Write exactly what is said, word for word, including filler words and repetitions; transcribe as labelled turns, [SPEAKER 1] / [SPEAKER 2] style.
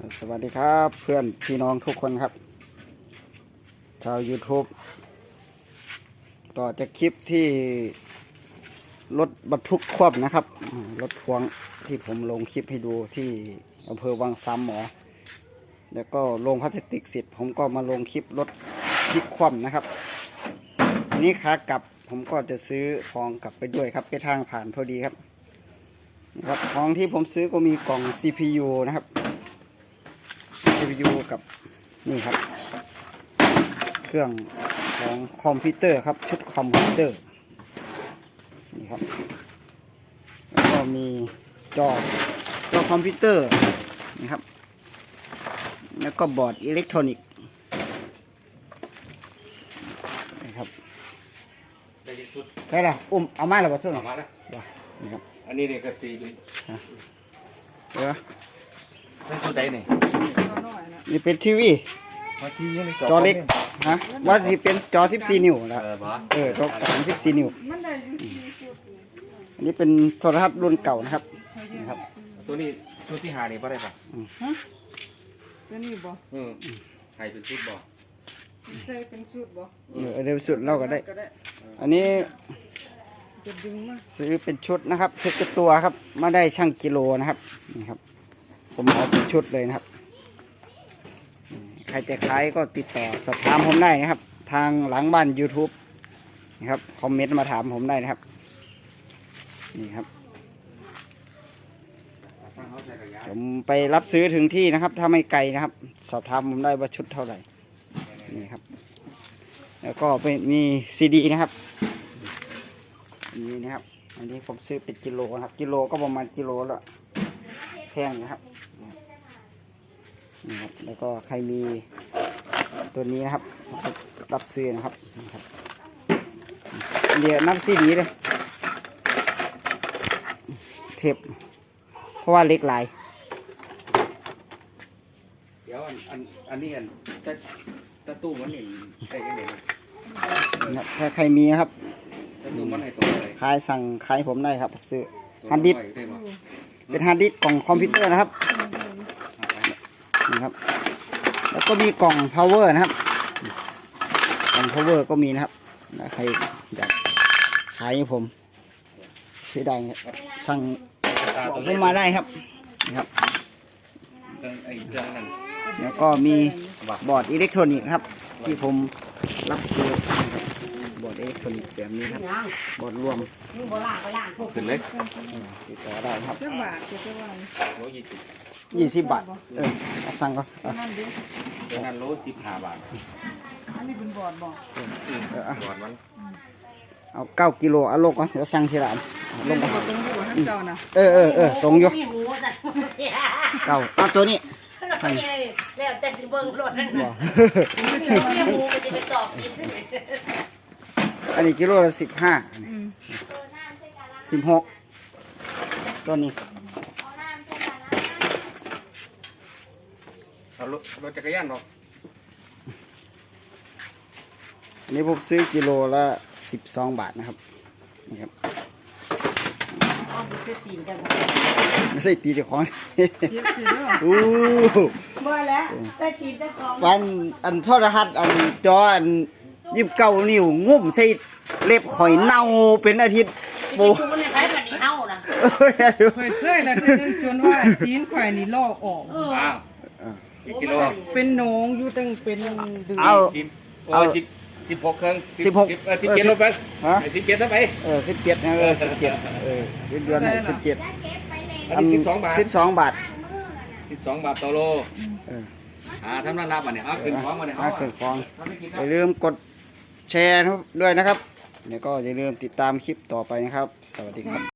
[SPEAKER 1] สวัสดีครับเพื่อนพี่น้องทุกคนครับชาว YouTube ต่อจากคลิปที่รถบรรทุกคว่ำนะครับรถพวงที่ผมลงคลิปให้ดูที่อำเภอวังสามหมอแล้วก็ลงพลาสติกเสร็จผมก็มาลงคลิปรถพลิกคว่ำนะครับทีนี้ขากลับผมก็จะซื้อของกลับไปด้วยครับไปทางผ่านพอดีครับครับของที่ผมซื้อก็มีกล่อง ซี พี ยู นะครับ ซี พี ยู กับนี่ครับเครื่องของคอมพิวเตอร์ครับชุดคอมพิวเตอร์นี่ครับแล้วก็มีจอจอคอมพิวเตอร์นี่ครับแล้วก็บอร์ดอิเล็กทรอนิกส์นี่ครับได้ละอุ้มเอาไม้หรือเปล่าช่วยหน่อยมาแล้วนี่ครับ
[SPEAKER 2] อันนี้เนี่ยก็ตีเป็น
[SPEAKER 1] เดี๋ยว
[SPEAKER 2] เป็นชุดใดเนี่ย
[SPEAKER 1] นี่เป็นทีวีจอเล็กนะว่าที่เป็นจอสิบสี่นิ้วนะเออจอสามสิบสี่นิ้วอันนี้เป็นโทรทัศน์รุ่นเก่านะครับนะครับ
[SPEAKER 2] ตัวนี้ชุดที่หานี่ป่ะได้ป่ะ
[SPEAKER 3] ฮะตัวนี้บ่
[SPEAKER 2] อืมใครเป็นชุดบ่
[SPEAKER 3] ใส่เป็นชุดบ่
[SPEAKER 1] เออเดี๋ยวสุดเล่าก็ได้อันนี้
[SPEAKER 3] จะดึงมา
[SPEAKER 1] ซื้อเป็นชุดนะครับชุดกระตัวครับมาได้ช่างกิโลนะครับนี่ครับผมเอาเป็นชุดเลยนะครับใครจะขายก็ติดต่อสอบถามผมได้นะครับทางหลังบ้าน YouTube นะครับคอมเมนต์มาถามผมได้นะครับนี่ครับผมไปรับซื้อถึงที่นะครับถ้าไม่ไกลนะครับสอบถามผมได้ว่าชุดเท่าไหร่นี่ครับแล้วก็เป็นมีซีดีนะครับนี่นะครับอันนี้ผมซื้อเป็นกิโลนะครับกิโลก็ประมาณกิโลละแพงนะครับนี่ครับแล้วก็ใครมีตัวนี้นะครับรับซื้อนะครับนะครับเดี๋ยวนับซีดีเลยเทปเพราะว่าเล็กหลาย
[SPEAKER 2] เดี๋ยวอันอันอันนี้อันตะตะตู้มันนี่ได้ยังไง
[SPEAKER 1] นะถ้าใครมีนะครับ
[SPEAKER 2] ตะตู้มันให้ตัวอะไร
[SPEAKER 1] ขายสั่งขายผมได้ครับซื้อฮาร์ดดิสก์เป็นฮาร์ดดิสก์กล่องคอมพิวเตอร์นะครับนี่ครับแล้วก็มีกล่อง power นะครับกล่อง power ก็มีนะครับใครอยากขายผมซื้อได้สั่งบอกผมมาได้ครับนี่ครับแล้วก็มีบอร์ดอิเล็กทรอนิกส์ครับที่ผมรับซื้อบอร์ดอิเล็กทรอนิกส์แบบนี้ครับบอร์ดรวม
[SPEAKER 2] ขึ้นเลย
[SPEAKER 1] ติดต่อได้ครับ
[SPEAKER 3] เท่าบาทจะว่า
[SPEAKER 1] ยี่สิบบาทเออสั่งก็
[SPEAKER 2] เป็นงานโลสิบห้าบาท
[SPEAKER 3] อันนี้เป็นบอร์ดบอก
[SPEAKER 2] บอร์ดมัน
[SPEAKER 1] เอาเก้ากิโลเอาลงก่อนเดี๋ยวสั่งทีหลัง
[SPEAKER 3] ลงมาตรงนี้ว่าเจ้านะ
[SPEAKER 1] เออเออเออตรงอยู่เก้าเอาตัวนี้
[SPEAKER 4] แล้วแต่สิเบิ่งรถนั่นบ่มีหมูมันจะไปตอบกิน
[SPEAKER 1] อันนี้กิโลละสิบห้าสิบหกตัวนี้
[SPEAKER 2] เอารถรถจักรยานหรอก
[SPEAKER 1] อันนี้ผมซื้อกิโลละสิบสองบาทนะครับนี่ครับไม่ใช่ตีเจ้าของอู้
[SPEAKER 3] บ่แล้วใส่ตีเจ้าของ
[SPEAKER 1] วันอันโทรทัศน์อันจออันยิบเก้านิ้วงุ่มใส่เล็บข่อยเน่าเป็นอาทิตย์
[SPEAKER 4] โบมันใช้แบบนี้เฮานะ
[SPEAKER 3] ข่อยเคยแล้วจนว่าตีนข่อยนี่ลอกออก
[SPEAKER 2] อ้าวกิโล
[SPEAKER 3] เป็นหนองอยู่ตั้งเป็น
[SPEAKER 1] ดือเอา
[SPEAKER 2] เอาสิบสิบหกเครื่อง
[SPEAKER 1] สิบหก
[SPEAKER 2] เออสิบเจ็ดลงไปฮะสิบเจ็ดไป
[SPEAKER 1] เออสิบเจ็ดนะเออสิบเจ็ดเออเดือนไหนสิบเจ็ด
[SPEAKER 2] อันนี้สิบสองบาท
[SPEAKER 1] สิบสองบาท
[SPEAKER 2] สิบสองบาทต่อโลเอออ่าทำน้ำรับอ่ะเนี่ยเอาขึ้นคล้องมาเนี่ย
[SPEAKER 1] เอาขึ้นคล้องอย่าลืมกดแชร์ด้วยนะครับเดี๋ยวก็อย่าลืมติดตามคลิปต่อไปนะครับสวัสดีครับ